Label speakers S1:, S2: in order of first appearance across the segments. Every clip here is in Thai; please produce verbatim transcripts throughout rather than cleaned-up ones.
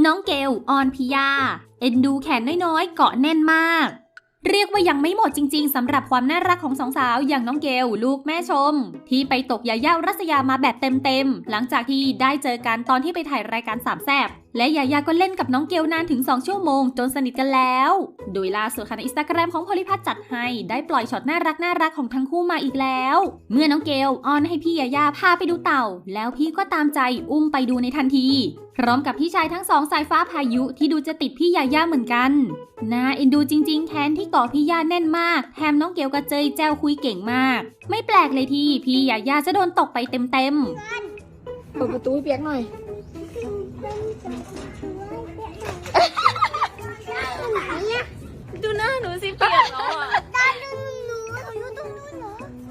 S1: น้องเกลออนพิยาเอ็นดูแขนน้อยๆเกาะแน่นมากเรียกว่ายังไม่หมดจริงๆสำหรับความน่ารักของสองสาวอย่างน้องเกลลูกแม่ชมที่ไปตกยาย่ารัศยามาแบบเต็มๆหลังจากที่ได้เจอกันตอนที่ไปถ่ายรายการสามแซ่บและยาย่าก็เล่นกับน้องเกลนานถึงสองชั่วโมงจนสนิทกันแล้วโดยล่าสุดค่ะในอินสตาแกรมของโพลิพัทได้จัดให้ได้ปล่อยช็อตน่ารักน่ารักของทั้งคู่มาอีกแล้วเมื่อน้องเกลอ้อนให้พี่ยาย่าพาไปดูเต่าแล้วพี่ก็ตามใจอุ้มไปดูในทันทีพร้อมกับพี่ชายทั้งสองสายฟ้าพายุที่ดูจะติดพี่ยาย่าเหมือนกันน่าเอ็นดูจริงๆแขนที่เกาะพี่ย่าแน่นมากแถมน้องเกลกระเจยแจ้วคุยเก่งมากไม่แปลกเลยที่พี่ยาย่าจะโดนตกไปเต็มๆ
S2: เปิดประตูให้เปียกหน่อย
S1: ดูหน้าหนูสิเปียกแล้วอ่ะ
S3: ตาดูหนูหนูอยู่ตรงนู้นเหรอ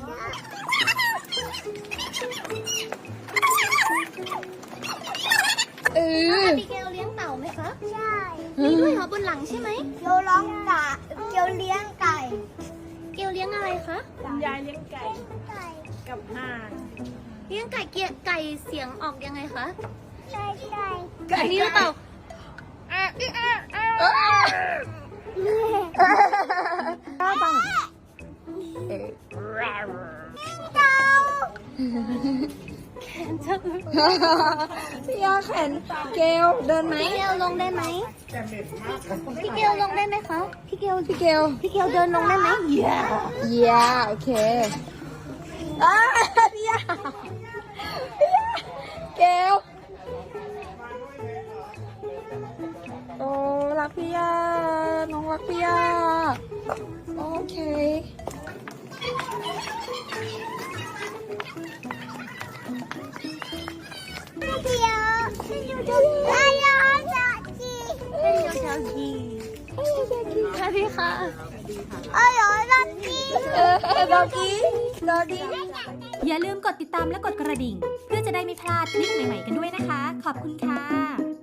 S2: เออ
S3: พี่เกลเลี้ยงเต่าไหมคะใช่มีด้วยเหรอบนหลังใช่ไหมเกลร้องกะเกลเลี้ยงไก่เกลเลี้ยงอะไรคะ
S4: คุณยายเลี้ยงไก่กับห่าน
S3: เลี้ยงไก่เกียไก่เสียงออกยังไงคะไก่ไก่
S2: ไก่
S3: นี่หรือเปล่า
S2: ก้าปังเออ
S3: เต่า
S2: พี่ยาแขนเกลเดินไหม
S3: พี่เกลลงได้ไหมพี่เกลลงได้ไหมคะพี่เกล
S2: พี่เกล
S3: พี่เกลเดินลงได้ไหมเย้
S2: เยียโอเคอ้าพี่ยาพี่ยาเกลโอ้รักพี่ยาน้องรักพี่ยาโอเค
S3: พี่เกลฉันอยู่ตรงนี้ไอ้ยาจักจีฉันอยู่ตรงนี้สวัสดีค่ะไอ้ยาจักจี
S2: เออดอกี้ดอดี้
S1: อย่าลืมกดติดตามและกดกระดิ่งเพื่อจะได้ไม่พลาดคลิปใหม่ๆกันด้วยนะคะขอบคุณค่ะ